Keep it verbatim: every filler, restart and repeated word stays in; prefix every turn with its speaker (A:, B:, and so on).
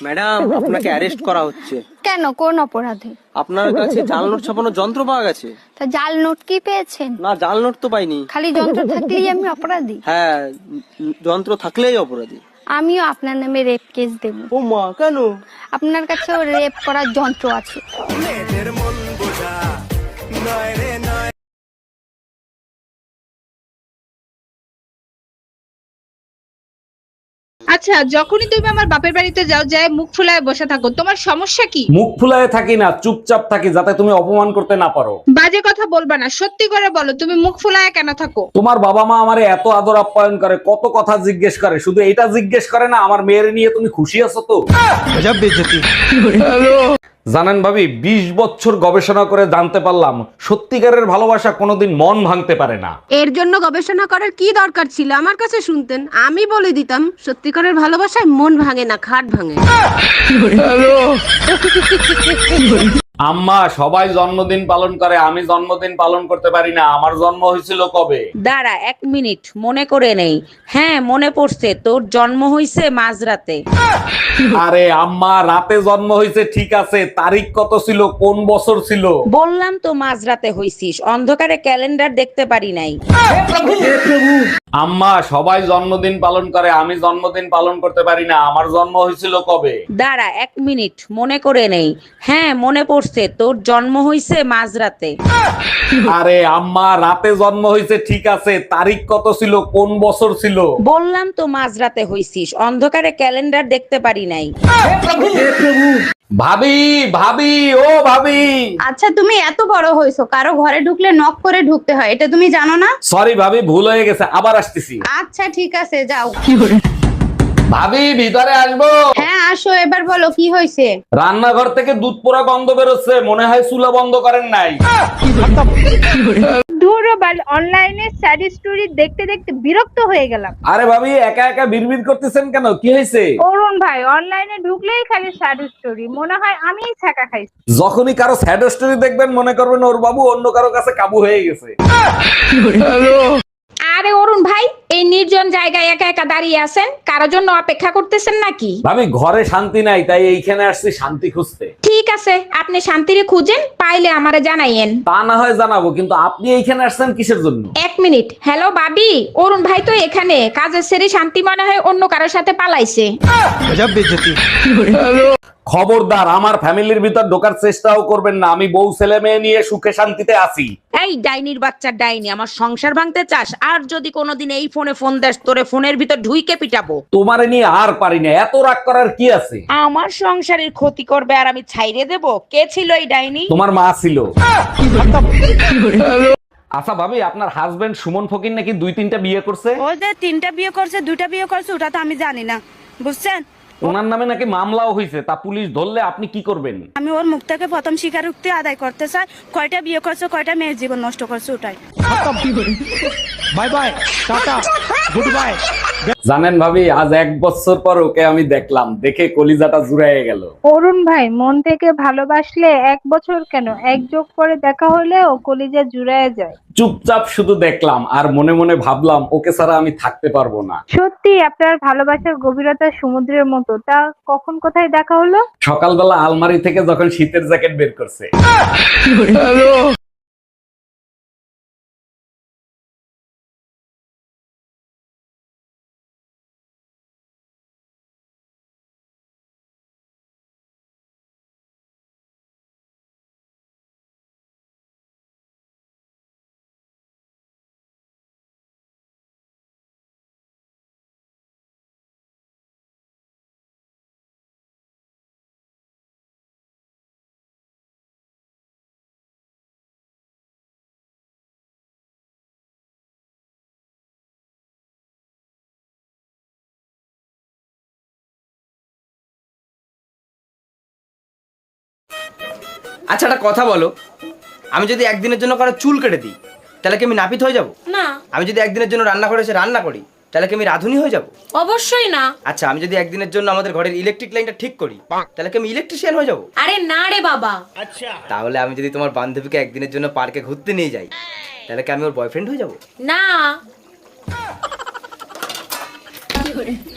A: Madam, আপনাকে arrest করা হচ্ছে।
B: কেন, কোন অপরাধে?
A: আপনার কাছে জাল নোট ছাপানোর যন্ত্র পাওয়া গেছে।
B: তা জাল নোট কি পেয়েছেন?
A: না, জাল নোট তো পাইনি।
B: খালি যন্ত্র থাকলেই আমি অপরাধী?
A: হ্যাঁ, যন্ত্র থাকলেই অপরাধী।
B: আমিও আপনার নামে রেপ কেস দেব।
A: ও মা, কেন?
B: আপনার কাছেও রেপ করার যন্ত্র আছে।
C: আচ্ছা, যখনই তুমি আমার বাপের বাড়িতে যাও, যায় মুখ ফুলায় বসে থাকো, তোমার সমস্যা কি?
D: মুখ ফুলায় থাকি না, চুপচাপ থাকি, যাতে তুমি অপমান করতে না পারো।
C: বাজে কথা বলবা না, সত্যি করে বলো তুমি মুখ ফুলায় কেন থাকো?
D: তোমার বাবা মা আমারে এত আদর আপ্যায়ন করে, কত কথা জিজ্ঞেস করে, শুধু এটা জিজ্ঞেস করে না আমার মেয়ের নিয়ে তুমি খুশি আছো তো? জানেন ভাবি, বিশ বছর গবেষণা করে জানতে পারলাম সত্যিকারের ভালোবাসা কোনোদিন মন ভাঙতে পারে না।
E: এর জন্য গবেষণা করার কি দরকার ছিল? আমার কাছে শুনতেন, আমি বলে দিতাম সত্যিকারের ভালোবাসায় মন ভাঙে না, খাট ভাঙে।
D: আম্মা, সবাই জন্মদিন পালন করে, আমি জন্মদিন পালন করতে পারি না। আমার জন্ম হয়েছিল কবে?
F: দাঁড়া এক মিনিট, মনে করে নেই। হ্যাঁ মনে পড়ছে, তোর জন্ম হইছে মাঝরাতে।
D: আরে আম্মা, রাতে জন্ম হয়েছে ঠিক আছে, তারিখ কত ছিল, কোন বছর ছিল?
F: বললাম তো মাঝরাতে হইছিস, অন্ধকারে ক্যালেন্ডার দেখতে পারি নাই।
D: আম্মা, সবাই জন্মদিন পালন করে, আমি জন্মদিন পালন করতে পারি না। আমার জন্ম হয়েছিল কবে?
F: দাঁড়া এক মিনিট, মনে করে নেই। হ্যাঁ মনে পড়ছে, তোর জন্ম হইছে মাঝরাতে।
D: আরে আম্মা, রাতে জন্ম হয়েছে ঠিক আছে, তারিখ কত ছিল, কোন বছর ছিল?
F: বললাম তো মাঝরাতে হইছিস, অন্ধকারে ক্যালেন্ডার দেখতে পারি নাই।
D: ভাবি, ভাবি, ও ভাবি।
E: আচ্ছা, তুমি এত বড় হয়েছো, কারো ঘরে ঢুকলে নক করে ঢুকতে হয়, এটা তুমি জানো না?
D: সরি ভাবি, ভুল হয়ে গেছে, আবার আসতেছি।
E: আচ্ছা ঠিক আছে, যাও।
D: ভাবি, ভিতরে আসবো?
E: হ্যাঁ আসো, এবার বলো কি হয়েছে?
D: রান্নাঘর থেকে দুধ পোড়া গন্ধ বেরোচ্ছে, মনে হয় চুলা বন্ধ করেন নাই।
C: দূরবাল অনলাইনে স্যাড স্টোরি দেখতে দেখতে বিরক্ত হয়ে গেলাম।
D: আরে ভাবি, একা একা বিড়বিড় করতেছেন কেন, কি হয়েছে?
C: অরুণ ভাই অনলাইনে ঢুকলেই খালি স্যাড স্টোরি, মনে হয় আমিই ছাকা খাইছি।
D: যখনই কারো স্যাড স্টোরি দেখবেন মনে করবেন ওর বাবু অন্য কারো কাছে কাবু হয়ে গেছে।
G: আরে অরুণ ভাই, এই নির্জন জায়গায় একা একা দাঁড়িয়ে আছেন, কারোর জন্য অপেক্ষা করতেছেন নাকি?
D: ভাবি, ঘরে শান্তি নাই, তাই এইখানে আসছি শান্তি খুঁজতে।
G: ঠিক আছে, আপনি শান্তিরে খুঁজেন, পাইলে আমারে জানাইয়েন।
D: তা না হয় জানাবো, কিন্তু আপনি এইখানে আসছেন কিসের জন্য?
G: এক মিনিট। হ্যালো বাবি, অরুণ ভাই তো এখানে, কাজের সেরে শান্তি মনে হয় অন্য কারোর সাথে পালাইছে।
D: খবরদার, আমার ফ্যামিলির ভিতর ঢোকার চেষ্টাও করবেন না, আমি বউ ছেলে মেয়ে নিয়ে সুখে শান্তিতে আছি।
F: এই ডাইনির বাচ্চা ডাইনি, আমার সংসার ভাঙতে চাস? আর যদি কোনোদিন এই ফোনে ফোন দেস, তোরে ফোনের ভিতর ঢুইকে পিটাবো।
D: তোমারে নিয়ে আর পারি না, এত রাগ করার কি আছে?
F: আমার সংসারের ক্ষতি করবে আর আমি ছাইরে দেব? কে ছিল এই ডাইনি?
D: তোমার মা ছিল। আচ্ছা ভাবি, আপনার হাজবেন্ড সুমন ফকির নাকি দুই তিনটা বিয়ে করছে?
H: ও যে তিনটা বিয়ে করছে, দুইটা বিয়ে করছে, ওটা তো আমি জানি না, বুঝছেন?
D: ওনার নামে নাকি মামলাও হয়েছে, তা পুলিশ ধরলে আপনি কি করবেন?
H: আমি ওর মুখ থেকে প্রথম স্বীকারোক্তি আদায় করতে চাই, কয়টা বিয়ে করছে, কয়টা মেয়ের জীবন নষ্ট করছে, ওটাই।
A: Bye bye, tata, goodbye.
D: জানেন ভাবি, আজ এক বছর পর ওকে আমি দেখলাম, দেখে কলিজাটা জুড়াইয়ে গেল।
C: অরুণ ভাই, মন থেকে ভালোবাসলে এক বছর কেন, এক যোগ করে দেখা হলেও কলিজা জুড়ায় যায়।
D: চুপচাপ শুধু দেখলাম আর মনে মনে ভাবলাম ওকে ছাড়া আমি থাকতে পারবো না।
C: সত্যি আপনার ভালোবাসার গভীরতা সমুদ্রের মতো। তা কখন কোথায় দেখা হলো?
D: সকালবেলা আলমারি থেকে যখন শীতের জ্যাকেট বের করছে।
A: আচ্ছা, একটা কথা বলো, আমি যদি একদিনের জন্য কারো চুল কেটে দিই, তাহলে কি আমি নাপিত হয়ে যাব?
I: না।
A: আমি যদি একদিনের জন্য রান্না করে এসে রান্না করি, তাহলে কি আমি রাঁধুনি হয়ে যাব?
I: অবশ্যই না।
A: আচ্ছা, আমি যদি একদিনের জন্য আমাদের ঘরের ইলেকট্রিক লাইনটা ঠিক করি, তাহলে কি আমি ইলেকট্রিশিয়ান হয়ে যাব?
I: আরে না রে বাবা।
A: তাহলে আমি যদি তোমার বান্ধবীকে একদিনের জন্য পার্কে ঘুরতে নিয়ে যাই, তাহলে কি আমি ওর বয়ফ্রেন্ড হয়ে যাব?
I: না।